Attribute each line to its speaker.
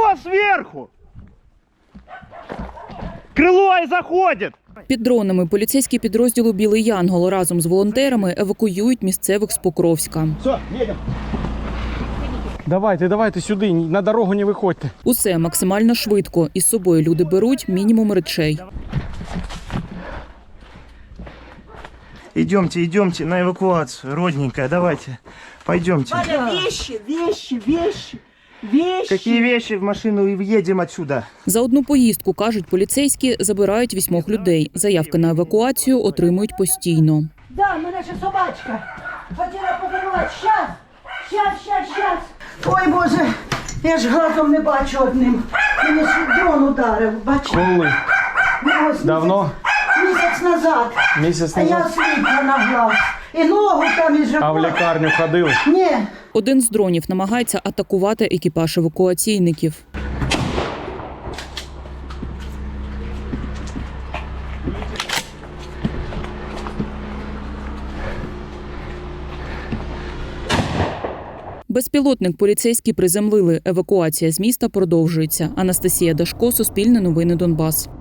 Speaker 1: Крыло сверху! Крыло и заходит!
Speaker 2: Під дронами поліцейські підрозділу «Білий Янгол» разом з волонтерами евакуюють місцевих з Покровська.
Speaker 1: Все, едем.
Speaker 3: Давайте сюди, на дорогу не виходьте.
Speaker 2: Усе максимально швидко. Із собою люди беруть мінімум речей.
Speaker 1: Идемте на эвакуацию, родненькая, давайте. Пойдемте.
Speaker 4: Валя, вещи.
Speaker 1: Какие вещи в машину и едем отсюда?
Speaker 2: За одну поїздку, кажуть поліцейські, забирають 8 людей. Заявки на евакуацію отримують постійно.
Speaker 4: Да, мене ще собачка. Хотіла подарувати. Щас. Ой, Боже, я ж глазом не бачу одним. Мені ж дрон ударив, бачите?
Speaker 3: Коли?
Speaker 4: Ось
Speaker 3: Давно?
Speaker 4: Місяць назад.
Speaker 3: Місяць
Speaker 4: А я
Speaker 3: назад?
Speaker 4: сліпла на глаз. І ногу там, і живот.
Speaker 3: А в лікарню ходили?
Speaker 4: Ні.
Speaker 2: Один з дронів намагається атакувати екіпаж евакуаційників. Безпілотник поліцейські приземлили. Евакуація з міста продовжується. Анастасія Дашко, Суспільне новини Донбас.